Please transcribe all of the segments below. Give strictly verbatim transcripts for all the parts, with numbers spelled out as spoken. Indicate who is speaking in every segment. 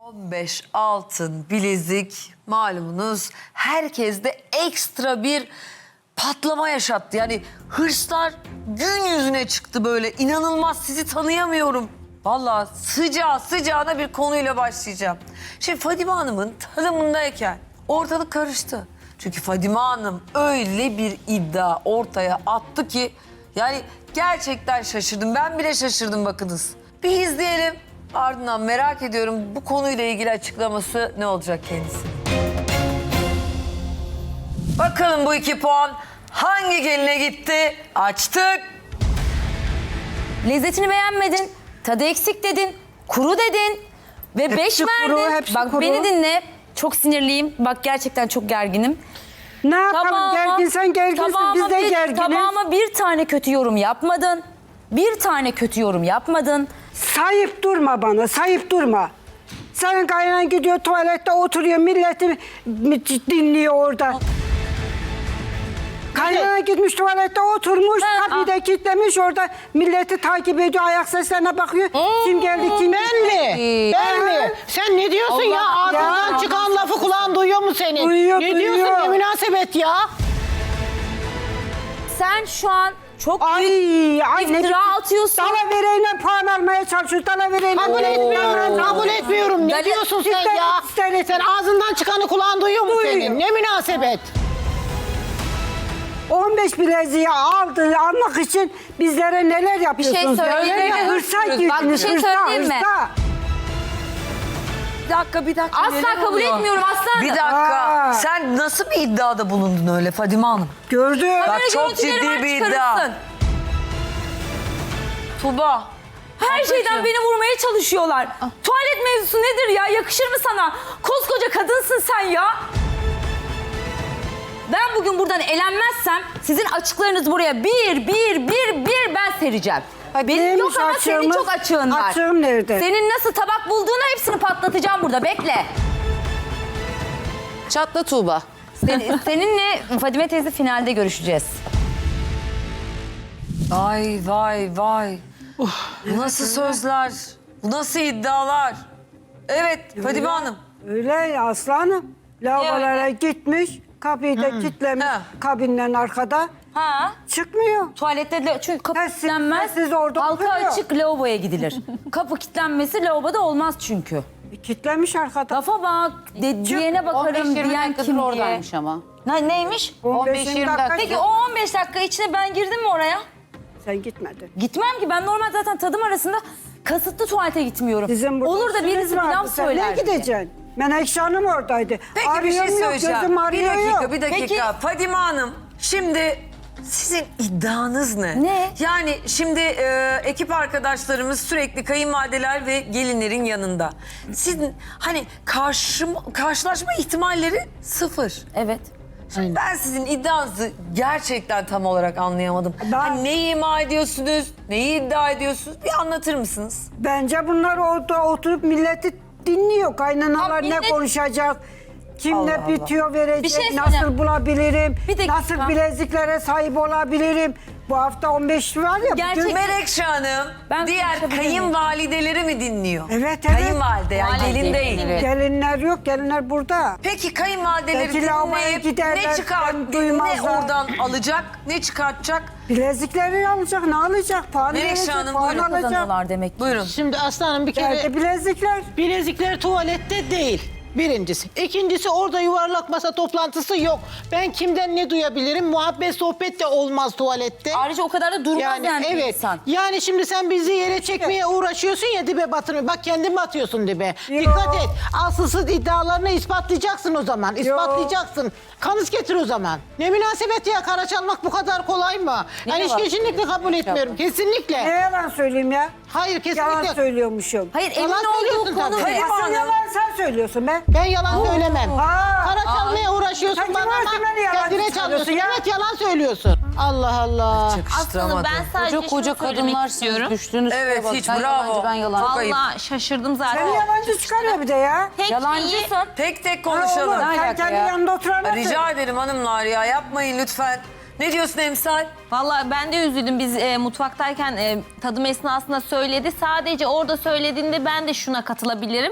Speaker 1: on beş altın bilezik malumunuz herkeste ekstra bir patlama yaşattı. Yani hırslar gün yüzüne çıktı böyle. İnanılmaz, sizi tanıyamıyorum. Vallahi sıcağı sıcağına bir konuyla başlayacağım. Şimdi Fadime Hanım'ın tanımındayken ortalık karıştı. Çünkü Fadime Hanım öyle bir iddia ortaya attı ki yani gerçekten şaşırdım. Ben bile şaşırdım bakınız. Bir izleyelim. Ardından merak ediyorum bu konuyla ilgili açıklaması ne olacak kendisi. Bakalım bu iki puan hangi geline gitti? Açtık.
Speaker 2: Lezzetini beğenmedin, tadı eksik dedin, kuru dedin ve beş
Speaker 3: kuru,
Speaker 2: verdin.
Speaker 3: hepsi
Speaker 2: Bak
Speaker 3: kuru.
Speaker 2: beni dinle, çok sinirliyim. Bak gerçekten çok gerginim.
Speaker 3: Ne yapalım, gerginsen gerginsin,
Speaker 2: tabağıma
Speaker 3: biz de
Speaker 2: bir,
Speaker 3: gerginiz.
Speaker 2: Tabağıma bir tane kötü yorum yapmadın. Bir tane kötü yorum yapmadın.
Speaker 3: Sayıp durma bana, sayıp durma. Senin kaynan gidiyor tuvalette oturuyor, milleti mi- dinliyor orada. Kaynana gitmiş tuvalette oturmuş,
Speaker 2: Ha,
Speaker 3: kapıyı da kilitlemiş orada, milleti takip ediyor, ayak seslerine bakıyor. Kim geldi, kim
Speaker 4: Ben
Speaker 3: gitti?
Speaker 4: mi? Ben mi? Sen ne diyorsun ya?
Speaker 3: Allah,
Speaker 4: Ağzından
Speaker 3: ya.
Speaker 4: çıkan lafı kulağın duyuyor mu senin?
Speaker 3: Duyuyor,
Speaker 4: ne
Speaker 3: duyuyor.
Speaker 4: diyorsun? Ne münasebet ya?
Speaker 2: Sen şu an çok
Speaker 3: Ay, ay ne
Speaker 2: iftira atıyorsun.
Speaker 3: Dalavereyle puan almaya çalışıyor, dalavereyle.
Speaker 4: Kabul etmiyorum, kabul etmiyorum. Ne
Speaker 2: Dali-
Speaker 4: diyorsun sen
Speaker 3: Cidden-
Speaker 4: ya?
Speaker 3: cidden-
Speaker 4: Sen ağzından çıkanı kulağın duyuyor mu
Speaker 3: Duyuyor.
Speaker 4: senin? Ne münasebet?
Speaker 3: on beş bileziği aldı almak için bizlere neler yapıyorsunuz?
Speaker 2: söyleyeyim mi?
Speaker 3: Hırsa
Speaker 2: Bak, bir
Speaker 3: girdiniz,
Speaker 2: şey
Speaker 3: hırsa,
Speaker 2: söyleyeyim mi?
Speaker 3: hırsa.
Speaker 1: Bir dakika, bir dakika.
Speaker 2: Asla
Speaker 1: neler
Speaker 2: kabul
Speaker 1: oluyor?
Speaker 2: etmiyorum aslanım.
Speaker 1: Bir dakika.
Speaker 3: Aa.
Speaker 1: Sen nasıl bir iddiada bulundun öyle Fadime Hanım?
Speaker 3: Gördüm.
Speaker 1: Bak
Speaker 2: Kamera
Speaker 1: çok
Speaker 2: görüntüleri
Speaker 1: ciddi
Speaker 2: var,
Speaker 1: bir iddia.
Speaker 2: çıkarırsın.
Speaker 1: Tuba.
Speaker 2: Her şeyden
Speaker 1: Ablacığım.
Speaker 2: beni vurmaya çalışıyorlar. Tuvalet mevzusu nedir ya? Yakışır mı sana? Koskoca kadınsın sen ya. Ben bugün buradan elenmezsem sizin açıklarınız buraya bir, bir, bir, bir ben sereceğim. Benim
Speaker 3: neymiş
Speaker 2: yok ama senin
Speaker 3: açığımız?
Speaker 2: çok açığın var.
Speaker 3: Açığım nerede?
Speaker 2: Senin nasıl tabak bulduğunu hepsini patlatacağım burada. Bekle.
Speaker 5: Çatla Tuğba.
Speaker 2: Sen- seninle Fadime teyze finalde görüşeceğiz.
Speaker 1: Vay vay vay. Bu nasıl sözler? Bu nasıl iddialar? Evet Fadime Hanım.
Speaker 3: Öyle ya aslanım. Lavabolara gitmiş, kapıyı da kilitlemiş
Speaker 1: Ha.
Speaker 3: kabinden arkada.
Speaker 2: Ha?
Speaker 3: Çıkmıyor.
Speaker 2: Tuvalette de, çünkü kapı
Speaker 3: Sessiz-
Speaker 2: kilitlenmez.
Speaker 3: sessiz orada
Speaker 2: Halka
Speaker 3: oturuyor.
Speaker 2: açık lavaboya gidilir. Kapı kilitlenmesi lavaboda olmaz çünkü.
Speaker 3: E, Kilitlemiş arkada.
Speaker 2: Lafa bak, de, diyene bakarım diyen kim diye.
Speaker 5: oradaymış ama.
Speaker 2: Ne, neymiş?
Speaker 3: on beş yirmi dakika.
Speaker 2: Peki o on beş dakika içinde ben girdim mi oraya?
Speaker 3: Sen gitmedin.
Speaker 2: Gitmem ki, ben normal zaten tadım arasında kasıtlı tuvalete gitmiyorum.
Speaker 3: Sizin burada
Speaker 2: Olur da
Speaker 3: işiniz
Speaker 2: birisi
Speaker 3: vardı.
Speaker 2: pilav
Speaker 3: Sen
Speaker 2: söyler.
Speaker 3: ne gideceksin? Menekşe Hanım oradaydı.
Speaker 1: Peki bir şey
Speaker 3: Arıyorum yok,
Speaker 1: söyleyeceğim.
Speaker 3: gözüm
Speaker 1: Bir
Speaker 3: arıyor
Speaker 1: dakika,
Speaker 3: yok.
Speaker 1: bir dakika. Fadime Hanım, şimdi sizin iddianız ne?
Speaker 2: Ne?
Speaker 1: Yani şimdi e, ekip arkadaşlarımız sürekli kayınvalideler ve gelinlerin yanında. Sizin hani karşı, karşılaşma ihtimalleri sıfır.
Speaker 2: Evet.
Speaker 1: Şimdi ben sizin iddianızı gerçekten tam olarak anlayamadım.
Speaker 3: Ben-
Speaker 1: Hani neyi ima ediyorsunuz, neyi iddia ediyorsunuz? Bir anlatır mısınız?
Speaker 3: Bence bunlar orada oturup milleti dinliyor. Kaynanalar
Speaker 2: Ha, millet-
Speaker 3: ne konuşacak? Kim
Speaker 1: Allah
Speaker 3: ne
Speaker 1: Allah.
Speaker 3: bitiyor verecek?
Speaker 2: Bir şey
Speaker 3: nasıl
Speaker 2: söyleyeyim.
Speaker 3: bulabilirim?
Speaker 2: Bir dakika.
Speaker 3: Nasıl bileziklere sahip olabilirim? Bu hafta on beş var ya.
Speaker 2: Gerçek-
Speaker 3: bugün-
Speaker 1: Menekşe Hanım
Speaker 2: Ben
Speaker 1: diğer
Speaker 2: konuşabilir miyim?
Speaker 1: kayınvalideleri mi dinliyor?
Speaker 3: Evet, evet.
Speaker 1: Kayınvalide yani
Speaker 2: Valide,
Speaker 1: gelin değil.
Speaker 2: evet.
Speaker 3: Gelinler yok, gelinler burada.
Speaker 1: Peki kayınvalideleri
Speaker 3: Belki lavaboya
Speaker 1: dinleyip
Speaker 3: giderler,
Speaker 1: ne çıkart,
Speaker 3: ben
Speaker 1: ne
Speaker 3: duymazlar.
Speaker 1: oradan alacak, ne çıkartacak?
Speaker 3: Bilezikleri alacak, ne alacak? Puan
Speaker 1: Menekşe
Speaker 3: verecek,
Speaker 1: Hanım,
Speaker 3: puan
Speaker 1: buyurun.
Speaker 3: alacak.
Speaker 2: Kazanıyorlar demek ki.
Speaker 1: Buyurun.
Speaker 4: Şimdi aslanım bir kere
Speaker 3: Geldi bilezikler.
Speaker 4: bilezikler tuvalette değil. Birincisi. İkincisi orada yuvarlak masa toplantısı yok. Ben kimden ne duyabilirim? Muhabbet sohbet de olmaz tuvalette.
Speaker 2: Ayrıca o kadar da durmaz yani,
Speaker 4: Yani
Speaker 2: bir
Speaker 4: evet.
Speaker 2: insan.
Speaker 4: Yani şimdi sen bizi yere çekmeye uğraşıyorsun ya, dibe batırmaya. Bak kendin mi atıyorsun dibe?
Speaker 3: Yo.
Speaker 4: Dikkat et. Asılsız iddialarını ispatlayacaksın o zaman. İspatlayacaksın. Kanıt getir o zaman. Ne münasebet ya, kara çalmak bu kadar kolay mı?
Speaker 2: Niye
Speaker 4: Yani
Speaker 2: var?
Speaker 4: kesinlikle kabul etmiyorum.
Speaker 3: Ne
Speaker 4: Kesinlikle.
Speaker 3: yalan söyleyeyim ya?
Speaker 4: Hayır
Speaker 3: Yalan
Speaker 4: kesinlikle.
Speaker 3: söylüyormuşum.
Speaker 2: Hayır, emin
Speaker 4: Yalan
Speaker 2: olduğu
Speaker 4: söylüyorsun
Speaker 2: konu
Speaker 4: tabii.
Speaker 2: ne?
Speaker 3: Asıl yalan sen söylüyorsun be.
Speaker 4: Ben yalan söylemem.
Speaker 3: Aa.
Speaker 4: Kara çalmaya uğraşıyorsun
Speaker 3: Sen
Speaker 4: bana
Speaker 3: kim
Speaker 4: ama
Speaker 3: varsın beni yalancı
Speaker 4: kendine
Speaker 3: sanıyorsun
Speaker 4: çalıyorsun.
Speaker 3: ya?
Speaker 4: Evet yalan söylüyorsun. Allah Allah.
Speaker 1: Yakıştıramadım.
Speaker 6: ben sadece
Speaker 5: Koca koca
Speaker 6: şunu söylemek
Speaker 5: kadınlarsınız.
Speaker 6: istiyorum.
Speaker 5: Düştüğünüz şeye
Speaker 1: Evet,
Speaker 5: bak.
Speaker 1: hiç
Speaker 5: Sen
Speaker 1: bravo.
Speaker 5: yalancı, ben yalan.
Speaker 1: Çok ayıp.
Speaker 6: Vallahi şaşırdım zaten.
Speaker 3: Seni yalancı çıkarıyor bir de ya.
Speaker 6: Tek iyi.
Speaker 2: Yalancısın.
Speaker 1: Tek tek
Speaker 3: Ha,
Speaker 1: konuşalım.
Speaker 3: olur. Sen
Speaker 5: alaka
Speaker 3: kendi
Speaker 5: ya?
Speaker 3: yanında oturan
Speaker 1: Rica ederim hanımlar ya, yapmayın lütfen. Ne diyorsun Emsal?
Speaker 6: Vallahi ben de üzüldüm. Biz e, mutfaktayken e, tadım esnasında söyledi. Sadece orada söylediğinde ben de şuna katılabilirim.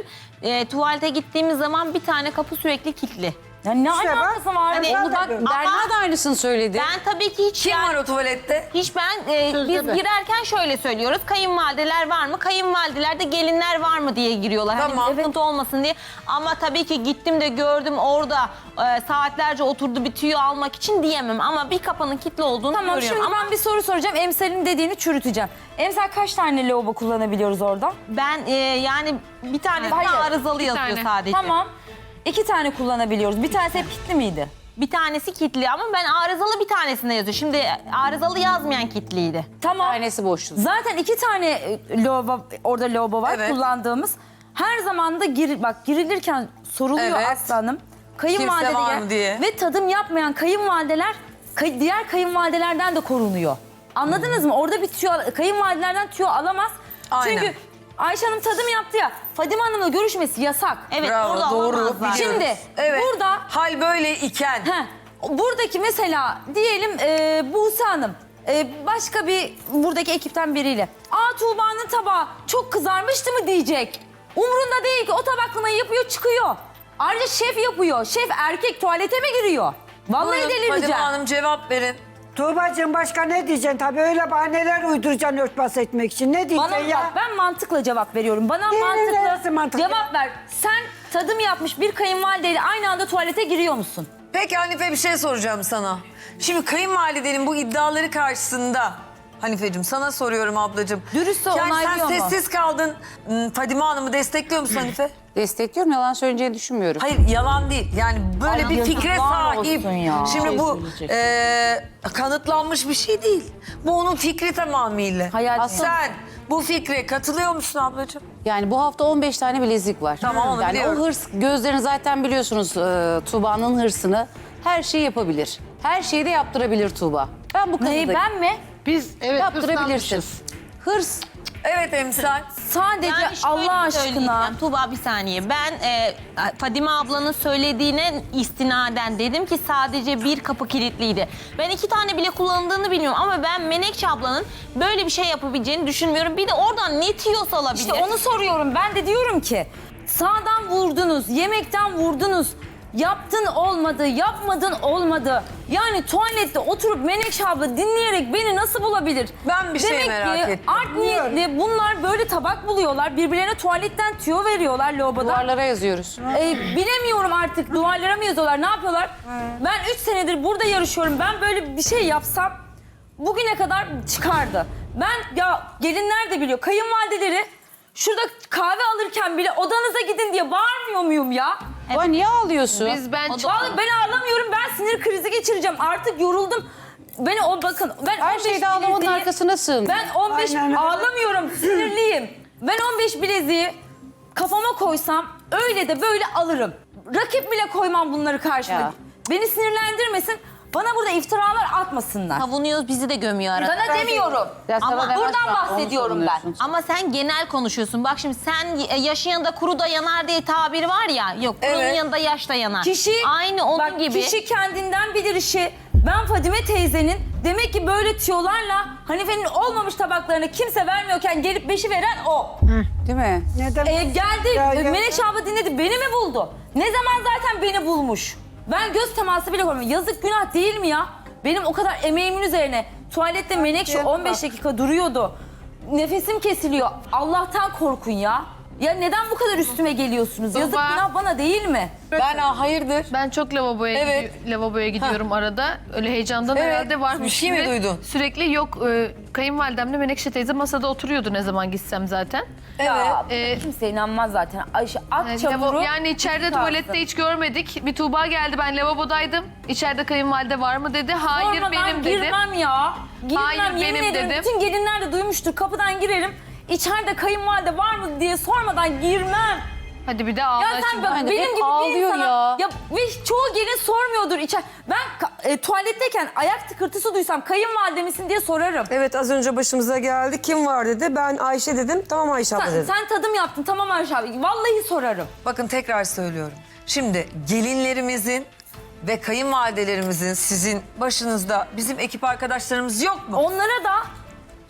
Speaker 6: e, tuvalete gittiğimiz zaman bir tane kapı sürekli kilitli.
Speaker 2: Ya ne
Speaker 3: İşte bak,
Speaker 2: alakası var?
Speaker 6: hani
Speaker 3: ben
Speaker 2: Onu
Speaker 3: de
Speaker 2: bak
Speaker 3: diyorum.
Speaker 2: Berna da aynısını söyledi.
Speaker 6: Ben tabii ki hiç
Speaker 1: Kim
Speaker 6: yani-
Speaker 1: var o tuvalette?
Speaker 6: Hiç ben, e,
Speaker 4: Sözde
Speaker 6: biz
Speaker 4: ben.
Speaker 6: girerken şöyle söylüyoruz. Kayınvalideler var mı? Kayınvalidelerde gelinler var mı diye giriyorlar.
Speaker 1: Tamam.
Speaker 6: Hani sıkıntı olmasın diye. Ama tabii ki gittim de gördüm orada e, saatlerce oturdu bir tüyü almak için diyemem. Ama bir kapının kilitli olduğunu
Speaker 2: Tamam
Speaker 6: görüyorum.
Speaker 2: şimdi
Speaker 6: Ama
Speaker 2: ben bir soru soracağım. Emsal'in dediğini çürüteceğim. Emsal kaç tane lavabo kullanabiliyoruz orada?
Speaker 6: ben e, yani bir tane
Speaker 2: Hayır,
Speaker 6: arızalı yazıyor
Speaker 5: tane.
Speaker 6: sadece.
Speaker 2: Tamam. İki tane kullanabiliyoruz. Bir tanesi hep kilitli miydi?
Speaker 6: Bir tanesi kilitli ama ben arızalı bir tanesinde yazıyor. Şimdi arızalı yazmayan kilitliydi.
Speaker 2: Tamam.
Speaker 5: Tanesi boştu.
Speaker 2: Zaten iki tane e, lavabo, orada lavabo var
Speaker 1: Evet.
Speaker 2: kullandığımız. Her zaman da gir, bak girilirken soruluyor
Speaker 1: Evet.
Speaker 2: aslanım.
Speaker 1: Kimse var
Speaker 2: Kayınvalideler
Speaker 1: mı diye.
Speaker 2: ve tadım yapmayan kayınvalideler kay- diğer kayınvalidelerden de korunuyor. Anladınız mı? Orada bir tüyo, kayınvalidelerden tüyo alamaz.
Speaker 1: Aynen.
Speaker 2: Çünkü Ayşe Hanım tadım yaptı ya. Fadime Hanım'la görüşmesi yasak.
Speaker 6: Evet
Speaker 1: Bravo,
Speaker 6: orada
Speaker 1: doğru.
Speaker 6: olamazlar.
Speaker 1: Biliyoruz.
Speaker 2: Şimdi
Speaker 1: Evet.
Speaker 2: burada
Speaker 1: Hal böyle iken.
Speaker 2: Heh, buradaki mesela diyelim e, Buse Hanım e, başka bir buradaki ekipten biriyle. Aa Tuğba'nın tabağı çok kızarmıştı mı diyecek. Umrunda değil ki o tabaklamayı yapıyor çıkıyor. Ayrıca şef yapıyor. Şef erkek tuvalete mi giriyor? Vallahi
Speaker 1: Buyurun,
Speaker 2: delireceğim.
Speaker 1: Fadime Hanım cevap verin.
Speaker 3: Tuğba'cığım başka ne diyeceksin? Tabii öyle bahaneler uyduracaksın örtbas etmek için. Ne diyeceksin
Speaker 2: Bana
Speaker 3: ya?
Speaker 2: bak ben mantıkla cevap veriyorum. Bana
Speaker 3: Değil, neresi
Speaker 2: mantıklı
Speaker 3: mantıklı?
Speaker 2: cevap ver. Sen tadım yapmış bir kayınvalideyle aynı anda tuvalete giriyor musun?
Speaker 1: Peki Hanife bir şey soracağım sana. Şimdi kayınvalidenin bu iddiaları karşısında Hanifeciğim sana soruyorum ablacığım.
Speaker 2: Dürüstse
Speaker 1: yani
Speaker 2: onaylıyor
Speaker 1: sen
Speaker 2: mu?
Speaker 1: sessiz kaldın. Hmm, Fadime Hanım'ı destekliyor musun Hanife?
Speaker 5: Destekliyorum, yalan söyleyeceğini düşünmüyorum.
Speaker 1: Hayır yalan değil. Yani böyle
Speaker 2: Ay,
Speaker 1: bir fikre
Speaker 2: yazıklar
Speaker 1: sahip.
Speaker 2: olsun ya.
Speaker 1: Şimdi bu
Speaker 2: Söyleyecek.
Speaker 1: e, kanıtlanmış bir şey değil. Bu onun fikri tamamıyla.
Speaker 2: Hayal-
Speaker 1: Sen bu fikre katılıyor musun ablacığım?
Speaker 5: Yani bu hafta on beş tane bilezik var.
Speaker 1: Tamam, onu
Speaker 5: yani
Speaker 1: biliyorum.
Speaker 5: o hırs, gözlerini zaten biliyorsunuz e, Tuğba'nın hırsını. Her şeyi yapabilir. Her şeyi de yaptırabilir Tuğba. Ben bu
Speaker 2: Neyi
Speaker 5: kanıdayım.
Speaker 2: ben mi?
Speaker 4: Biz evet
Speaker 5: Yaptırabilirsin.
Speaker 4: hırslanmışız.
Speaker 5: Hırs.
Speaker 1: Evet emsal.
Speaker 2: Sadece
Speaker 6: Yani şöyle
Speaker 2: Allah aşkına.
Speaker 6: söyleyeceğim, Tuğba bir saniye. Ben e, Fadime ablanın söylediğine istinaden dedim ki sadece bir kapı kilitliydi. Ben iki tane bile kullanıldığını bilmiyorum ama ben Menekşe ablanın böyle bir şey yapabileceğini düşünmüyorum. Bir de oradan ne tiyos alabilir?
Speaker 2: İşte onu soruyorum. Ben de diyorum ki sağdan vurdunuz, yemekten vurdunuz. Yaptın olmadı, yapmadın olmadı. Yani tuvalette oturup Menekşe abla dinleyerek beni nasıl bulabilir?
Speaker 1: Ben bir şey
Speaker 2: Demek
Speaker 1: merak
Speaker 2: ki
Speaker 1: ettim.
Speaker 2: art niyetli bunlar böyle tabak buluyorlar. Birbirlerine tuvaletten tüyo veriyorlar lavaboda.
Speaker 5: Duvarlara yazıyoruz.
Speaker 2: Ee, bilemiyorum artık duvarlara mı yazıyorlar, ne yapıyorlar? Ben üç senedir burada yarışıyorum. Ben böyle bir şey yapsam bugüne kadar çıkardı. Ben ya gelinler de biliyor, kayınvalideleri şurada kahve alırken bile odanıza gidin diye bağırmıyor muyum ya?
Speaker 5: Aa, niye ağlıyorsun?
Speaker 7: Biz ben çok...
Speaker 2: Vallahi ben ağlamıyorum, ben sinir krizi geçireceğim. Artık yoruldum. Beni o bakın ben
Speaker 5: Her
Speaker 2: on beş
Speaker 5: şeyde ağlamanın
Speaker 2: bileziği-
Speaker 5: arkasına sığın.
Speaker 2: Ben on beş
Speaker 3: Aynen öyle.
Speaker 2: ağlamıyorum, sinirliyim. Ben on beş bileziği kafama koysam öyle de böyle alırım. Rakip bile koymam bunları karşıma.
Speaker 5: Ya.
Speaker 2: Beni sinirlendirmesin. Bana burada iftiralar atmasınlar.
Speaker 6: savunuyoruz, bizi de gömüyor arada.
Speaker 2: Sana demiyorum.
Speaker 5: Ya sana
Speaker 2: Ama
Speaker 5: demez
Speaker 2: buradan
Speaker 5: şu an, onu
Speaker 2: bahsediyorum ben.
Speaker 5: savunuyorsun.
Speaker 6: Ama sen genel konuşuyorsun. Bak şimdi sen yaşın yanında kuru da yanar diye tabir var ya. Yok kurunun
Speaker 1: Evet.
Speaker 6: yanında yaş da yanar.
Speaker 2: Kişi,
Speaker 6: Aynı onun
Speaker 2: bak,
Speaker 6: gibi.
Speaker 2: Kişi kendinden bilir işi. Ben Fadime teyzenin demek ki böyle tüyolarla Hanife'nin olmamış tabaklarını kimse vermiyorken gelip beşi veren o.
Speaker 5: Değil mi?
Speaker 3: Neden?
Speaker 2: Ee, geldi
Speaker 3: Ya, ya.
Speaker 2: Menekşe abla dinledi, beni mi buldu? Ne zaman zaten beni bulmuş? Ben göz teması bile koymuyorum. Yazık günah değil mi ya? Benim o kadar emeğimin üzerine tuvalette Menekşe on beş dakika duruyordu. Nefesim kesiliyor. Allah'tan korkun ya. Ya neden bu kadar üstüme geliyorsunuz? Yazık
Speaker 7: Baba.
Speaker 2: günah bana değil mi?
Speaker 1: Ben aa, hayırdır?
Speaker 7: Ben çok lavaboya
Speaker 1: Evet.
Speaker 7: gidi- lavaboya gidiyorum arada. Öyle heyecandan
Speaker 1: Evet.
Speaker 7: herhalde varmış
Speaker 1: Bir şey mi
Speaker 7: gibi.
Speaker 1: duydun?
Speaker 7: Sürekli yok e, kayınvalidemle Menekşe teyze masada oturuyordu ne zaman gitsem zaten.
Speaker 2: Ya
Speaker 7: Ee,
Speaker 2: kimse inanmaz zaten. Ayşe at
Speaker 7: Yani,
Speaker 2: çamuru.
Speaker 7: lavo- yani içeride
Speaker 2: kalsın.
Speaker 7: tuvalette hiç görmedik. Bir Tuğba geldi, ben lavabodaydım. İçeride kayınvalide var mı dedi. Hayır
Speaker 2: Sormadan
Speaker 7: benim dedim.
Speaker 2: girmem ya. Girmem,
Speaker 7: Hayır,
Speaker 2: yemin
Speaker 7: benim
Speaker 2: ederim.
Speaker 7: dedim.
Speaker 2: Bütün gelinler de duymuştur. Kapıdan girerim. İçeride kayınvalide var mı diye sormadan girmem.
Speaker 7: Hadi bir de ağla
Speaker 2: Ya sen
Speaker 7: şimdi.
Speaker 2: bak
Speaker 5: Hani
Speaker 2: benim
Speaker 5: hep
Speaker 2: gibi bir
Speaker 5: ağlıyor
Speaker 2: insana...
Speaker 5: ya.
Speaker 2: Ve çoğu gelin sormuyordur içer. Ben ka- e, tuvaletteyken ayak tıkırtısı duysam kayınvalide misin diye sorarım.
Speaker 8: Evet az önce başımıza geldi. Kim var dedi. Ben Ayşe dedim. Tamam Ayşe abla
Speaker 2: Sen,
Speaker 8: dedim.
Speaker 2: sen tadım yaptın tamam Ayşe abi. Vallahi sorarım.
Speaker 1: Bakın tekrar söylüyorum. Şimdi gelinlerimizin ve kayınvalidelerimizin sizin başınızda bizim ekip arkadaşlarımız yok mu?
Speaker 2: Onlara da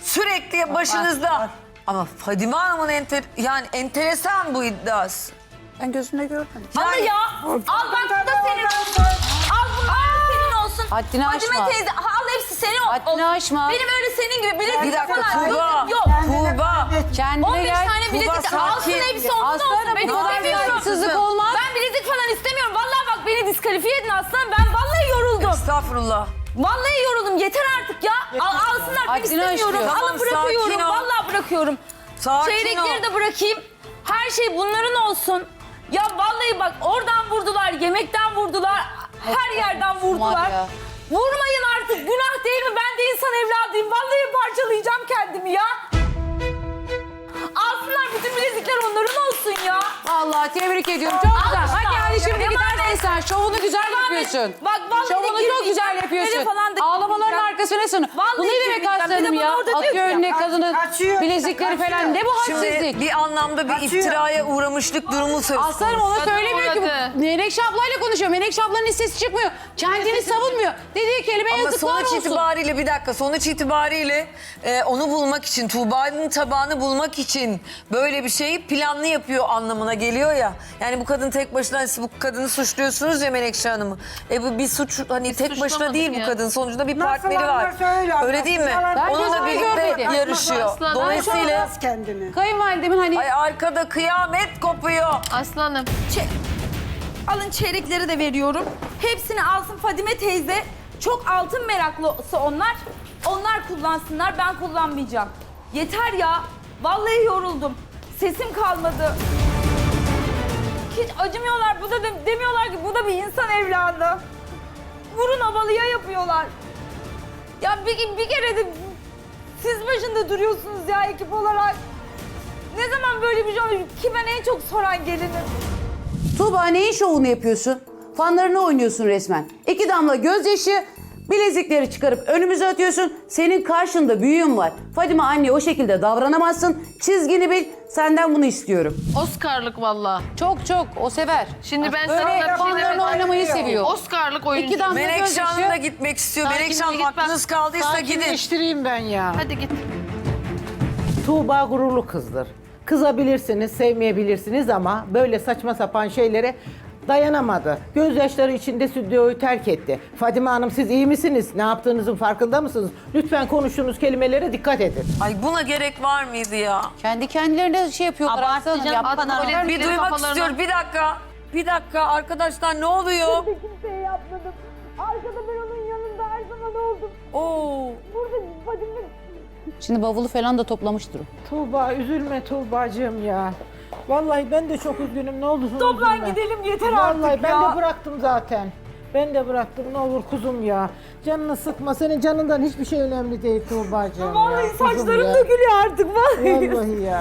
Speaker 1: Sürekli başınızda. Ama Fadime Hanım'ın enter, yani enteresan bu iddiası.
Speaker 5: Ben gözümle görmedim.
Speaker 2: Ama ya al bak bu da senin olsun. Al bunlar da senin olsun.
Speaker 5: Haddini
Speaker 2: Fadime
Speaker 5: aşma.
Speaker 2: teyze al hepsi senin ol-
Speaker 5: Haddini
Speaker 2: olsun.
Speaker 5: aşma.
Speaker 2: Benim öyle senin gibi bilezik
Speaker 1: Bir dakika
Speaker 2: falan
Speaker 1: Tuğba.
Speaker 2: yok.
Speaker 1: Tuğba.
Speaker 5: Kendine
Speaker 2: on beş
Speaker 5: gel.
Speaker 2: tane bilezik
Speaker 1: Tuğba,
Speaker 2: alsın
Speaker 1: sakin.
Speaker 2: hepsi onun olsun.
Speaker 5: Aslanım,
Speaker 2: Ben
Speaker 5: bu kadar
Speaker 2: istemiyorum.
Speaker 5: saygısızlık olmaz.
Speaker 2: Ben bilezik falan istemiyorum. Vallahi bak beni diskalifiye edin aslanım. Ben vallahi yoruldum.
Speaker 1: Estağfurullah.
Speaker 2: Vallahi yoruldum. Yeter artık ya. Al, alsınlar ben
Speaker 5: Haddini
Speaker 2: istemiyorum.
Speaker 5: aşıyor.
Speaker 1: Tamam,
Speaker 2: Alın bırakıyorum.
Speaker 1: sakin ol.
Speaker 2: Vallahi bırakıyorum.
Speaker 1: Sakin
Speaker 2: Çeyrekleri
Speaker 1: ol.
Speaker 2: de bırakayım. Her şey bunların olsun. Ya vallahi bak oradan vurdular, yemekten vurdular, her yerden vurdular.
Speaker 5: ya.
Speaker 2: Vurmayın artık. Günah değil mi? Ben de insan evladıyım. Vallahi parçalayacağım kendimi ya. Alsınlar bütün bilezikler onların olsun ya.
Speaker 5: Vallahi tebrik ediyorum. Çok güzel.
Speaker 2: Al
Speaker 5: Hadi
Speaker 2: işte.
Speaker 5: yani şimdi
Speaker 2: Devam
Speaker 5: gidersin
Speaker 2: et.
Speaker 5: sen. Şovunu güzel
Speaker 2: Devam et.
Speaker 5: yapıyorsun.
Speaker 2: Bak vallahi
Speaker 5: Şovunu çok
Speaker 2: girmeyeceğim.
Speaker 5: güzel yapıyorsun.
Speaker 2: Nereye falan da
Speaker 5: Ağlamaların
Speaker 2: girmeyeceğim.
Speaker 5: arkasına sonu.
Speaker 2: Vallahi
Speaker 5: Bu ne demek
Speaker 2: girmeyeceğim. Bir de
Speaker 5: aslanım
Speaker 2: bana
Speaker 5: ya?
Speaker 2: orada diyor
Speaker 5: Atıyor
Speaker 2: ki,
Speaker 5: önüne
Speaker 3: kaç-
Speaker 5: kadının
Speaker 3: kaçıyor,
Speaker 5: bilezikleri
Speaker 3: kaçıyor.
Speaker 5: falan. Ne bu
Speaker 1: Şimdi
Speaker 5: hadsizlik?
Speaker 1: bir anlamda bir
Speaker 3: Kaçıyor.
Speaker 1: iftiraya uğramışlık durumu söz konusu.
Speaker 5: Aslanım ona
Speaker 7: Kadın
Speaker 5: söylemiyor ki.
Speaker 7: uğradı.
Speaker 5: bu. Menekşe ablayla konuşuyor. Menekşe ablanın hiç sesi çıkmıyor. Kendini savunmuyor. Dediği kelime
Speaker 1: Ama
Speaker 5: yazıklar
Speaker 1: sonuç
Speaker 5: olsun.
Speaker 1: itibariyle bir dakika sonuç itibariyle e, onu bulmak için Tuğba'nın tabağını bulmak için böyle bir şeyi planlı yapıyor anlamına geliyor ya. Yani bu kadın tek başına siz bu kadını suçluyorsunuz ya Menekşe Hanım'ı. E bu bir suç hani tek başına
Speaker 7: suçlamadık
Speaker 1: değil bu
Speaker 7: ya.
Speaker 1: kadın sonuçta bir
Speaker 3: Nasıl
Speaker 1: partneri var.
Speaker 3: anlarsa öyle anlarsın.
Speaker 1: Öyle değil mi?
Speaker 3: Yalan-
Speaker 5: Ben
Speaker 1: Onunla
Speaker 5: gözümle
Speaker 1: birlikte
Speaker 5: görmedim.
Speaker 1: yarışıyor.
Speaker 7: Aslan,
Speaker 1: Dolayısıyla
Speaker 3: Konuşamaz kendini.
Speaker 5: Kayınvalidemin hani
Speaker 1: ay arkada kıyamet kopuyor.
Speaker 7: Aslanım.
Speaker 2: Alın çeyrekleri de veriyorum. Hepsini alsın Fadime teyze. Çok altın meraklısı onlar. Onlar kullansınlar, ben kullanmayacağım. Yeter ya. Vallahi yoruldum. Sesim kalmadı. Hiç acımıyorlar. Bu da de- demiyorlar ki bu da bir insan evladı. Vurun havalıya yapıyorlar. Ya bir, bir kere de siz başında duruyorsunuz ya ekip olarak. Ne zaman böyle bir şey olur ki ben en çok soran gelinim.
Speaker 5: Tuğba neyin şovunu yapıyorsun? Fanlarını oynuyorsun resmen. İki damla gözyaşı, bilezikleri çıkarıp önümüze atıyorsun. Senin karşında büyüğün var. Fadime anne o şekilde davranamazsın. Çizgini bil. Senden bunu istiyorum.
Speaker 7: Oscar'lık valla.
Speaker 5: Çok çok o sever.
Speaker 7: Şimdi ben sana
Speaker 5: Böyle
Speaker 7: bir şey
Speaker 5: fanlarını
Speaker 7: demedim.
Speaker 5: oynamayı seviyor.
Speaker 7: Oscar'lık oyuncu.
Speaker 5: İki damla
Speaker 1: Menekşe Hanım da
Speaker 5: gözyaşı.
Speaker 1: gitmek istiyor.
Speaker 7: Sakin
Speaker 1: Menekşe
Speaker 7: ol,
Speaker 1: Hanım
Speaker 7: git bak.
Speaker 1: aklınız kaldıysa gidin.
Speaker 4: Sakinleştireyim ben ya.
Speaker 7: Hadi git.
Speaker 4: Tuğba gururlu kızdır. Kızabilirsiniz, sevmeyebilirsiniz ama böyle saçma sapan şeylere dayanamadı. Gözyaşları içinde stüdyoyu terk etti. Fadime Hanım siz iyi misiniz? Ne yaptığınızın farkında mısınız? Lütfen konuştuğunuz kelimelere dikkat edin.
Speaker 1: Ay buna gerek var mıydı ya?
Speaker 5: Kendi kendilerine şey yapıyorlar.
Speaker 6: Abartı
Speaker 5: aslanım,
Speaker 6: canım,
Speaker 5: yapma.
Speaker 6: bu kadar.
Speaker 7: Böyle
Speaker 1: Bir
Speaker 7: Benim
Speaker 1: duymak
Speaker 7: kafalarına-
Speaker 1: istiyorum. Bir dakika. Bir dakika arkadaşlar ne oluyor?
Speaker 2: Kimseye yapmadım. Arkada ben onun yanında her zaman oldum.
Speaker 1: Oo.
Speaker 2: Burada Fadime...
Speaker 5: Şimdi bavulu falan da toplamıştır o.
Speaker 4: Tuğba üzülme Tuğbacığım ya. Vallahi ben de çok üzgünüm ne olursun
Speaker 2: Toplan
Speaker 4: üzülme.
Speaker 2: gidelim yeter
Speaker 4: Vallahi
Speaker 2: artık
Speaker 4: ben
Speaker 2: ya.
Speaker 4: de bıraktım zaten. Ben de bıraktım ne olur kuzum ya. Canını sıkma senin canından hiçbir şey önemli değil Tuğbacığım ya.
Speaker 2: Vallahi
Speaker 4: kuzum
Speaker 2: saçlarım
Speaker 4: ya.
Speaker 2: dökülüyor artık vallahi.
Speaker 4: Vallahi ya.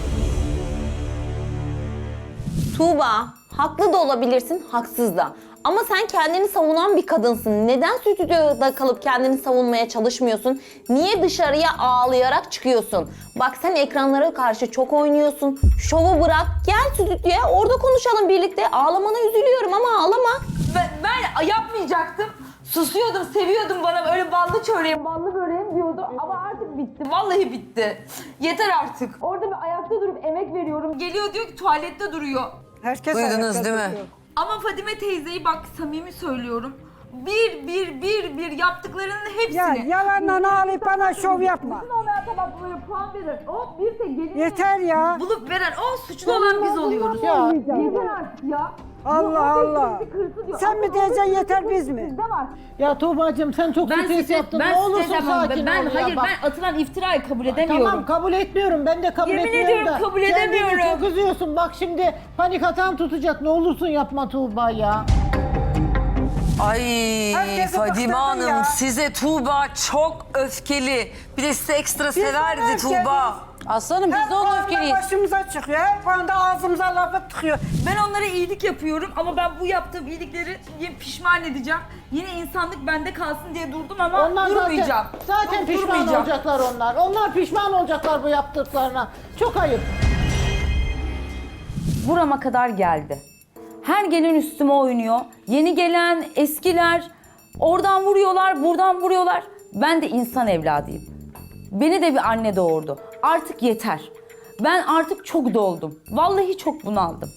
Speaker 6: Tuğba, haklı da olabilirsin, haksız da. Ama sen kendini savunan bir kadınsın. Neden stüdyoda kalıp kendini savunmaya çalışmıyorsun? Niye dışarıya ağlayarak çıkıyorsun? Bak sen ekranlara karşı çok oynuyorsun. Şovu bırak, gel stüdyoya orada konuşalım birlikte. Ağlamana üzülüyorum ama ağlama.
Speaker 2: Ben, ben yapmayacaktım. Susuyordum, seviyordum bana böyle ballı çöreğim, ballı böreğim diyordu. Ama artık bitti, vallahi bitti. Yeter artık. Orada bir ayakta durup emek veriyorum. Geliyor diyor ki tuvalette duruyor.
Speaker 3: Herkes
Speaker 1: Duydunuz
Speaker 3: ayakta
Speaker 1: değil mi?
Speaker 3: duruyor.
Speaker 2: Ama Fadime teyzeyi bak samimi söylüyorum. Bir bir bir bir yaptıklarının hepsini.
Speaker 3: Ya yalanla ağlayıp bana şov yapma.
Speaker 2: Suçlu olmayan tabaklara puan verir. O bir tek gelin
Speaker 3: Yeter ya.
Speaker 2: bulup veren o suçlu olan biz oluyoruz.
Speaker 4: Ya.
Speaker 2: Yeter artık ya.
Speaker 3: Allah Allah.
Speaker 2: Bir kırsı diyor.
Speaker 3: Sen mi
Speaker 2: Ama
Speaker 3: diyeceksin
Speaker 2: o
Speaker 3: yeter
Speaker 2: suçlu
Speaker 3: biz mi?
Speaker 2: sizde var.
Speaker 4: Ya Tuğbacığım sen çok
Speaker 2: Ben
Speaker 4: stres
Speaker 2: size,
Speaker 4: yaptın.
Speaker 2: ben
Speaker 4: ne olursun
Speaker 2: size demem.
Speaker 4: sakin
Speaker 2: Ben
Speaker 4: ol ya.
Speaker 2: hayır
Speaker 4: Bak.
Speaker 2: ben atılan iftirayı kabul edemiyorum.
Speaker 4: Tamam kabul etmiyorum. Ben de kabul
Speaker 2: Yemin
Speaker 4: etmiyorum
Speaker 2: ediyorum
Speaker 4: da.
Speaker 2: kabul
Speaker 4: Kendini
Speaker 2: edemiyorum.
Speaker 4: çok üzüyorsun. Bak şimdi panik atan tutacak. Ne olursun yapma Tuğba ya.
Speaker 1: Ay
Speaker 3: Herkese
Speaker 1: Fadime
Speaker 3: bıktırdım
Speaker 1: Hanım
Speaker 3: ya.
Speaker 1: size Tuğba çok öfkeli. Bir de size ekstra severdi
Speaker 3: öfkeliyiz.
Speaker 1: Tuğba.
Speaker 5: Aslanım biz
Speaker 3: Her
Speaker 5: de onun
Speaker 3: konuda
Speaker 5: öfkeliyiz.
Speaker 3: başımıza çıkıyor. Her konuda ağzımıza lafı tıkıyor.
Speaker 2: Ben onlara iyilik yapıyorum ama ben bu yaptığım iyilikleri yine pişman edeceğim. Yine insanlık bende kalsın diye durdum ama
Speaker 4: Onlar
Speaker 2: durmayacağım.
Speaker 4: zaten, zaten
Speaker 2: Yok,
Speaker 4: pişman
Speaker 2: durmayacağım.
Speaker 4: olacaklar onlar. Onlar pişman olacaklar bu yaptıklarına. Çok ayıp.
Speaker 2: Burama kadar geldi. Her gelen üstüme oynuyor. Yeni gelen, eskiler oradan vuruyorlar, buradan vuruyorlar. Ben de insan evladıyım. Beni de bir anne doğurdu. Artık yeter. Ben artık çok doldum. Vallahi çok bunaldım.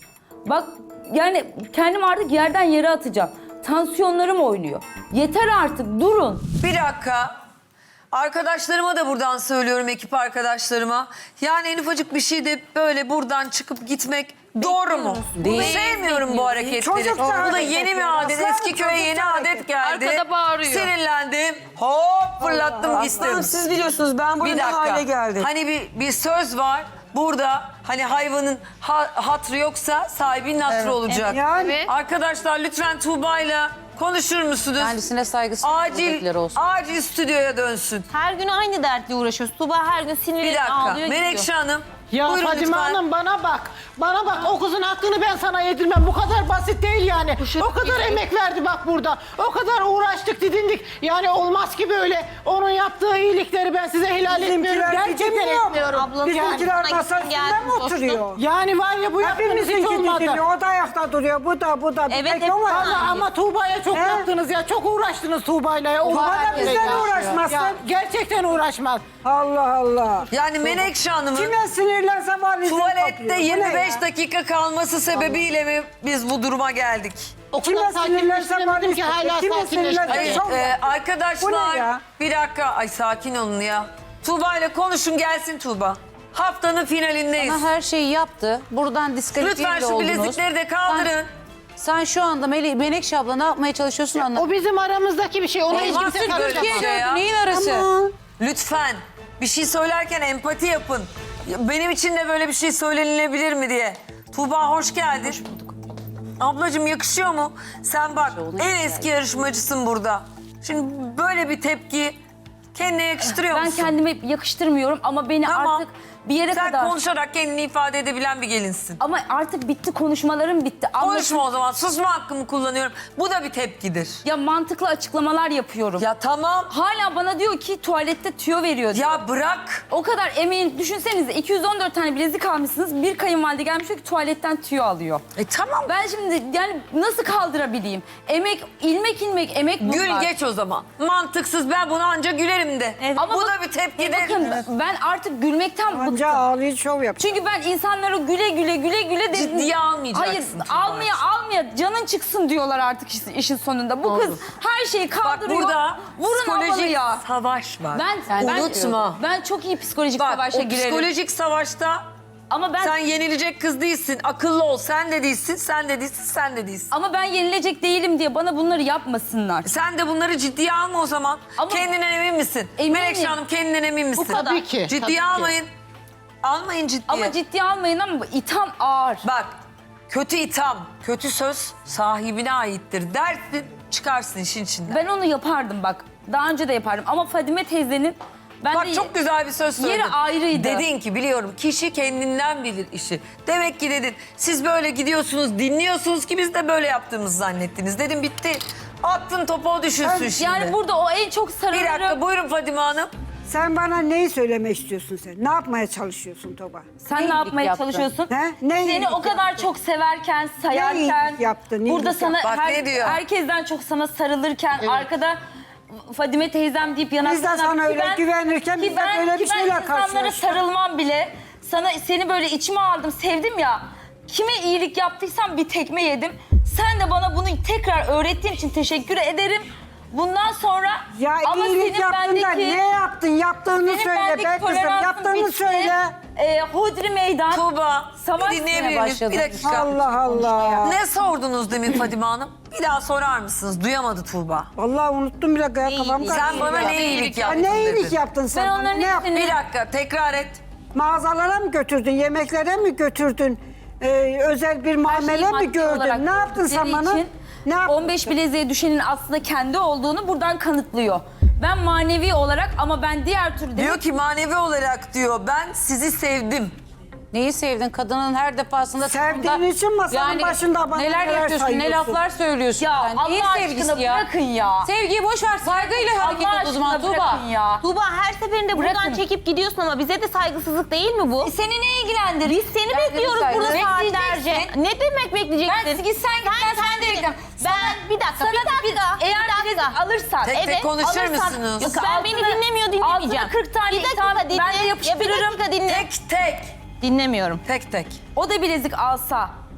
Speaker 2: Bak yani kendim artık yerden yere atacağım. Tansiyonlarım oynuyor. Yeter artık durun.
Speaker 1: Bir dakika. Arkadaşlarıma da buradan söylüyorum, ekip arkadaşlarıma. Yani en ufacık bir şey de böyle buradan çıkıp gitmek doğru mu?
Speaker 5: Değil.
Speaker 1: Sevmiyorum bu hareketleri.
Speaker 3: Çocuk da
Speaker 1: Bu da
Speaker 3: hareket
Speaker 1: yeni
Speaker 3: ediyor.
Speaker 1: bir adet.
Speaker 3: Aslanım,
Speaker 1: Eski köye
Speaker 3: çocuk
Speaker 1: yeni
Speaker 3: da
Speaker 1: adet
Speaker 3: hareket
Speaker 1: geldi.
Speaker 7: Arkada bağırıyor.
Speaker 1: Sinirlendim. Hop fırlattım gittim.
Speaker 8: Aslanım siz biliyorsunuz ben
Speaker 1: Bir
Speaker 8: burada ne
Speaker 1: dakika.
Speaker 8: hale geldim.
Speaker 1: Hani bir, bir söz var. Burada hani hayvanın ha, hatrı yoksa sahibinin hatrı olacak.
Speaker 3: Yani
Speaker 7: Evet.
Speaker 1: Arkadaşlar lütfen Tuğba'yla konuşur musunuz?
Speaker 5: Kendisine saygısı
Speaker 1: Acil,
Speaker 5: olsun.
Speaker 1: acil stüdyoya dönsün.
Speaker 6: Her gün aynı dertle uğraşıyoruz. Tuba her gün
Speaker 1: Bir
Speaker 6: sinirlenip
Speaker 1: dakika.
Speaker 6: ağlıyor
Speaker 1: Menekşe
Speaker 6: gidiyor.
Speaker 1: Hanım.
Speaker 4: Ya
Speaker 1: buyurun
Speaker 4: Fadime
Speaker 1: lütfen.
Speaker 4: Hanım bana bak. Bana bak o kızın hakkını ben sana yedirmem. Bu kadar basit değil yani. O kadar emek verdi bak burada. O kadar uğraştık didindik. Yani olmaz ki böyle. Onun yaptığı iyilikleri ben size helal etmiyorum.
Speaker 3: bizimkiler
Speaker 4: Gerçekten
Speaker 3: gidemiyor mu?
Speaker 4: etmiyorum.
Speaker 6: Ablanın
Speaker 3: Bizimkiler
Speaker 6: yanına gittim,
Speaker 3: masasında
Speaker 6: geldim,
Speaker 3: mı
Speaker 6: dostum.
Speaker 3: oturuyor?
Speaker 4: Yani var ya bu yaptığınız hiç
Speaker 3: Hepimizinki
Speaker 4: olmadı.
Speaker 3: gidiyor. O da ayakta duruyor. Bu da bu da. Bir
Speaker 6: Evet,
Speaker 3: tek
Speaker 6: hep
Speaker 3: o var.
Speaker 4: Ama, ama Tuğba'ya çok
Speaker 3: He?
Speaker 4: yaptınız ya. Çok uğraştınız Tuğba'yla. ya. O
Speaker 3: Tuğba da
Speaker 4: harekete
Speaker 3: bizden
Speaker 4: ya.
Speaker 3: uğraşmasın.
Speaker 4: Ya, gerçekten uğraşmaz.
Speaker 3: Allah Allah.
Speaker 1: Yani Menekşe Hanım'ın
Speaker 3: Kime sinirlense var izin
Speaker 1: tuvalette
Speaker 3: kapıyor. Bu ne
Speaker 1: yirmi beş
Speaker 3: ya?
Speaker 1: dakika kalması sebebiyle mi biz bu duruma geldik?
Speaker 4: O
Speaker 3: Kime
Speaker 4: kadar
Speaker 3: sinirlense
Speaker 4: sakinleştiremedim
Speaker 3: var
Speaker 4: ki hala
Speaker 3: Kime
Speaker 4: sakinleştiremedim.
Speaker 3: sinirlense
Speaker 1: Hayır,
Speaker 3: çok
Speaker 1: e,
Speaker 3: var. Bu
Speaker 1: arkadaşlar
Speaker 3: ne ya?
Speaker 1: bir dakika. Ay sakin olun ya. Tuğba ile konuşun gelsin Tuğba. Haftanın finalindeyiz.
Speaker 5: Ama her şeyi yaptı. Buradan diskalifiye
Speaker 1: Lütfen
Speaker 5: bile
Speaker 1: şu
Speaker 5: oldunuz.
Speaker 1: bilezikleri de kaldırın.
Speaker 5: Sen şu anda Mele Menekşe abla ne yapmaya çalışıyorsun anlat.
Speaker 4: O bizim aramızdaki bir şey. Ona hiç
Speaker 1: Olmaz
Speaker 4: kimse
Speaker 1: ki böyle
Speaker 4: karışamaz.
Speaker 1: bir şey ya.
Speaker 5: Neyin arası?
Speaker 3: Ama
Speaker 1: Lütfen bir şey söylerken empati yapın. Ya benim için de böyle bir şey söylenilebilir mi diye. Tuğba hoş geldin. Hoş bulduk. Ablacığım yakışıyor mu? Sen bak en eski yarışmacısın burada. Şimdi böyle bir tepki kendine yakıştırıyor
Speaker 2: Ben
Speaker 1: musun?
Speaker 2: kendime yakıştırmıyorum ama beni
Speaker 1: Tamam.
Speaker 2: artık bir yere
Speaker 1: Sen
Speaker 2: kadar...
Speaker 1: konuşarak kendini ifade edebilen bir gelinsin.
Speaker 2: Ama artık bitti, konuşmalarım bitti. Anlatın-
Speaker 1: Konuşma o zaman. Susma hakkımı kullanıyorum. Bu da bir tepkidir.
Speaker 2: Ya mantıklı açıklamalar yapıyorum.
Speaker 1: Ya tamam.
Speaker 2: Hala bana diyor ki tuvalette tüyo veriyor diyor.
Speaker 1: Ya bırak.
Speaker 2: O kadar emeğin düşünsenize iki yüz on dört tane bilezik almışsınız. Bir kayınvalide gelmiş diyor ki tuvaletten tüyo alıyor.
Speaker 1: E tamam.
Speaker 2: Ben şimdi yani nasıl kaldırabileyim? Emek, ilmek ilmek emek bunlar.
Speaker 1: Gül geç o zaman. Mantıksız, ben buna anca gülerim de.
Speaker 2: Ama
Speaker 1: Bu
Speaker 2: bak-
Speaker 1: da bir tepkidir.
Speaker 2: Bakın ben artık gülmekten bıktım.
Speaker 3: anca ağlayıp şov yapıyor.
Speaker 2: Çünkü ben insanlara güle güle güle güle dedim.
Speaker 1: Ciddiye almayacaksın
Speaker 2: Hayır
Speaker 1: Tuğba'cığım.
Speaker 2: almaya almaya canın çıksın diyorlar artık işin- işin sonunda. Bu kız her şeyi
Speaker 1: Bak
Speaker 2: kaldırıyor.
Speaker 1: burada
Speaker 2: Vurun ablalı
Speaker 1: psikolojik
Speaker 2: ya.
Speaker 1: savaş var.
Speaker 2: Ben, ben,
Speaker 1: Unutma.
Speaker 2: ben çok iyi psikolojik
Speaker 1: Bak
Speaker 2: savaşa
Speaker 1: o
Speaker 2: girerim.
Speaker 1: psikolojik savaşta
Speaker 2: Ama ben
Speaker 1: sen yenilecek kız değilsin. Akıllı ol. Sen de değilsin, sen de değilsin, sen de değilsin.
Speaker 2: ama ben yenilecek değilim diye bana bunları yapmasınlar.
Speaker 1: Sen de bunları ciddiye alma o zaman.
Speaker 2: Ama-
Speaker 1: Kendinden emin misin?
Speaker 2: Eminim.
Speaker 1: Menekşe Hanım kendinden emin misin?
Speaker 2: kadar.
Speaker 4: Tabii ki.
Speaker 1: Ciddiye
Speaker 4: tabii ki.
Speaker 1: almayın. Almayın ciddiye.
Speaker 2: Ama ciddiye almayın ama itham ağır.
Speaker 1: Bak kötü itham, kötü söz sahibine aittir dersin, çıkarsın işin içinden.
Speaker 2: Ben onu yapardım bak. Daha önce de yapardım ama Fadime teyzenin ben
Speaker 1: Bak
Speaker 2: de
Speaker 1: çok güzel bir söz söyledin.
Speaker 2: yeri ayrıydı.
Speaker 1: Dedin ki biliyorum kişi kendinden bilir işi. Demek ki dedin siz böyle gidiyorsunuz dinliyorsunuz ki biz de böyle yaptığımızı zannettiniz. Dedim bitti. Attın topu o düşünsün şimdi.
Speaker 2: yani burada o en çok
Speaker 1: Bir dakika
Speaker 2: sarılırım.
Speaker 1: buyurun Fadime Hanım.
Speaker 3: Sen bana neyi söylemek istiyorsun sen? Ne yapmaya çalışıyorsun Tuğba?
Speaker 2: Sen ne
Speaker 5: iyilik
Speaker 2: yapmaya
Speaker 5: yaptın?
Speaker 2: çalışıyorsun?
Speaker 3: He? Ne
Speaker 2: Seni
Speaker 3: iyilik
Speaker 2: o kadar
Speaker 3: yaptın?
Speaker 2: çok severken, sayarken,
Speaker 3: iyilik yaptın, iyilik
Speaker 2: burada sana
Speaker 1: yaptın. Bak
Speaker 2: her-
Speaker 1: ne diyor?
Speaker 2: herkesten çok sana sarılırken, arkada Fadime teyzem deyip yanaklarına...
Speaker 3: Biz de sana
Speaker 2: Ki
Speaker 3: öyle güvenirken
Speaker 2: ki
Speaker 3: biz de
Speaker 2: ben-
Speaker 3: böyle bir
Speaker 2: ki ben
Speaker 3: şeyle
Speaker 2: insanlara
Speaker 3: karşılaştık.
Speaker 2: sarılmam bile, sana seni böyle içime aldım, sevdim ya. Kime iyilik yaptıysam bir tekme yedim. Sen de bana bunu tekrar öğrettiğin için teşekkür ederim. Bundan sonra
Speaker 3: Ya
Speaker 2: ama
Speaker 3: iyilik
Speaker 2: senin
Speaker 3: yaptın da
Speaker 2: bendeki...
Speaker 3: ne yaptın? Yaptığını
Speaker 2: Senin
Speaker 3: söyle
Speaker 2: bendeki
Speaker 3: be kızım.
Speaker 2: toleransın
Speaker 3: Yaptığını
Speaker 2: bitti.
Speaker 3: söyle.
Speaker 2: Ee, Hodri meydan.
Speaker 1: Tuğba
Speaker 2: Savaş
Speaker 1: bir dinleyebilir
Speaker 5: sene
Speaker 1: miyiz?
Speaker 5: başladı.
Speaker 1: Bir dakika.
Speaker 3: Allah Allah.
Speaker 1: Ne sordunuz demin Fadime Hanım? Bir daha sorar mısınız? Duyamadı Tuğba.
Speaker 3: Vallahi unuttum bile kafam karıştı.
Speaker 1: Sen bana ne iyilik
Speaker 3: Ya
Speaker 1: yaptın
Speaker 3: ne iyilik
Speaker 1: dedin.
Speaker 3: yaptın sen?
Speaker 2: Ben
Speaker 3: bana?
Speaker 2: onların
Speaker 3: Ne yaptın?
Speaker 2: hepsini-
Speaker 1: Bir dakika tekrar et.
Speaker 3: Mağazalara mı götürdün? Yemeklere mi götürdün? Ee, özel bir muamele mi
Speaker 2: maddi olarak
Speaker 3: gördün? Ne yaptın sen
Speaker 2: gördükleri
Speaker 3: bana?
Speaker 2: için
Speaker 3: Ne yaptın?
Speaker 2: on beş bileziğe düşenin aslında kendi olduğunu buradan kanıtlıyor. Ben manevi olarak ama ben diğer türlü...
Speaker 1: Diyor ki manevi olarak diyor ben sizi sevdim.
Speaker 5: Neyi sevdin? Kadının her defasında...
Speaker 3: Sevdiğin
Speaker 5: sonunda-
Speaker 3: için masanın başında bana
Speaker 5: neler,
Speaker 3: neler
Speaker 5: yapıyorsun, ne
Speaker 3: sayıyorsun?
Speaker 5: laflar söylüyorsun.
Speaker 2: Ya
Speaker 5: sen.
Speaker 2: Allah
Speaker 5: Neyin
Speaker 2: aşkına
Speaker 5: sevgisi ya?
Speaker 2: bırakın ya.
Speaker 5: Sevgiyi boş ver, saygıyla hareket
Speaker 2: Allah
Speaker 5: et o zaman
Speaker 2: aşkına
Speaker 5: Tuğba.
Speaker 2: bırakın ya.
Speaker 6: Tuba her seferinde buradan
Speaker 2: Bırakın.
Speaker 6: çekip gidiyorsun ama bize de saygısızlık değil mi bu?
Speaker 2: Seni ne ilgilendirir?
Speaker 6: Biz seni
Speaker 5: Derdini
Speaker 6: bekliyoruz
Speaker 5: saygı.
Speaker 6: burada
Speaker 2: Bekleyeceksin.
Speaker 6: saatlerce. Ne demek bekleyeceksin?
Speaker 2: Ben git sen git ben sen de bekliyorum.
Speaker 6: Ben bir dakika
Speaker 2: Sana
Speaker 6: bir dakika.
Speaker 2: eğer
Speaker 6: bir
Speaker 2: bilezik
Speaker 6: dakika.
Speaker 2: alırsan...
Speaker 1: Tek tek konuşur musunuz?
Speaker 6: Yok, ben beni dinlemiyor dinlemeyeceğim.
Speaker 2: Altına kırk tane
Speaker 6: bir dakika
Speaker 2: itham
Speaker 6: dinle.
Speaker 2: ben de yapıştırırım.
Speaker 6: Ya bir dakika dinle.
Speaker 1: Tek tek.
Speaker 6: Dinlemiyorum.
Speaker 1: Tek tek.
Speaker 2: O da bilezik alsa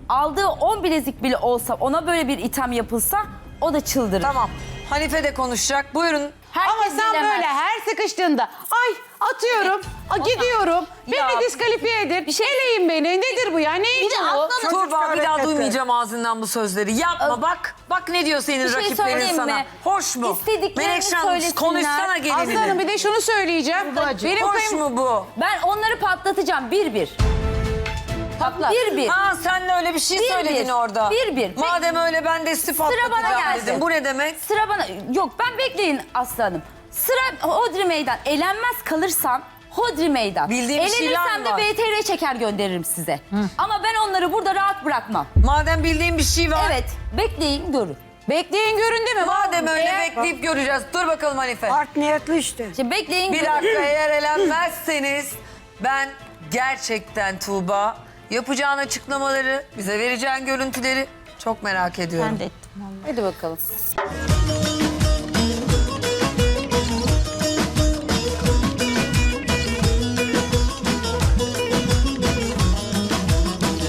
Speaker 2: aldığı on bilezik bile olsa ona böyle bir itham yapılsa o da çıldırır.
Speaker 1: Tamam. Hanife de konuşacak. Buyurun.
Speaker 2: Herkes
Speaker 5: Ama sen
Speaker 2: bilemez.
Speaker 5: böyle her sıkıştığında ay atıyorum, a, gidiyorum,
Speaker 2: Ya,
Speaker 5: beni diskalifiye edin, bir şey eleyin beni. Nedir bu ya? Neyin bu?
Speaker 1: Tuğba bir daha
Speaker 3: hareketler.
Speaker 1: duymayacağım ağzından bu sözleri. Yapma bak. Bak ne diyor senin
Speaker 2: Bir şey
Speaker 1: rakiplerin
Speaker 2: söyleyeyim
Speaker 1: sana.
Speaker 2: mi?
Speaker 1: Hoş mu?
Speaker 2: İstediklerini
Speaker 1: Menekşe Hanım
Speaker 2: söylesinler.
Speaker 1: konuşsana gelinini.
Speaker 5: Aslanım bir de şunu söyleyeceğim. Benim
Speaker 1: Hoş
Speaker 5: kayın...
Speaker 1: mu bu?
Speaker 2: Ben onları patlatacağım bir bir.
Speaker 5: Patlat.
Speaker 2: Bir bir.
Speaker 1: Ha sen de öyle bir şey
Speaker 2: Bir
Speaker 1: söyledin
Speaker 2: bir.
Speaker 1: orada.
Speaker 2: Bir bir.
Speaker 1: Madem öyle ben de istifa
Speaker 2: Sıra bana
Speaker 1: atlatacağım
Speaker 2: gelsin.
Speaker 1: dedim. Bu ne demek?
Speaker 2: Sıra bana... Yok ben bekleyin aslanım. Sıra Hodri Meydan. Elenmez kalırsam Hodri Meydan.
Speaker 1: Bildiğim bir şeyler
Speaker 2: Elenirsem de
Speaker 1: var.
Speaker 2: B T R çeker gönderirim size. Ama ben onları burada rahat bırakmam.
Speaker 1: Madem bildiğin bir şey var.
Speaker 2: Evet bekleyin görün.
Speaker 5: Bekleyin görün değil mi?
Speaker 1: Madem öyle
Speaker 2: Eğer-
Speaker 1: bekleyip göreceğiz. Dur bakalım Hanife.
Speaker 3: Art niyetli işte.
Speaker 2: Şimdi bekleyin
Speaker 1: Bir
Speaker 2: görün.
Speaker 1: dakika eğer elenmezseniz ben gerçekten Tuğba yapacağın açıklamaları, bize vereceğin görüntüleri çok merak ediyorum.
Speaker 6: Ben de ettim.
Speaker 5: Hadi bakalım.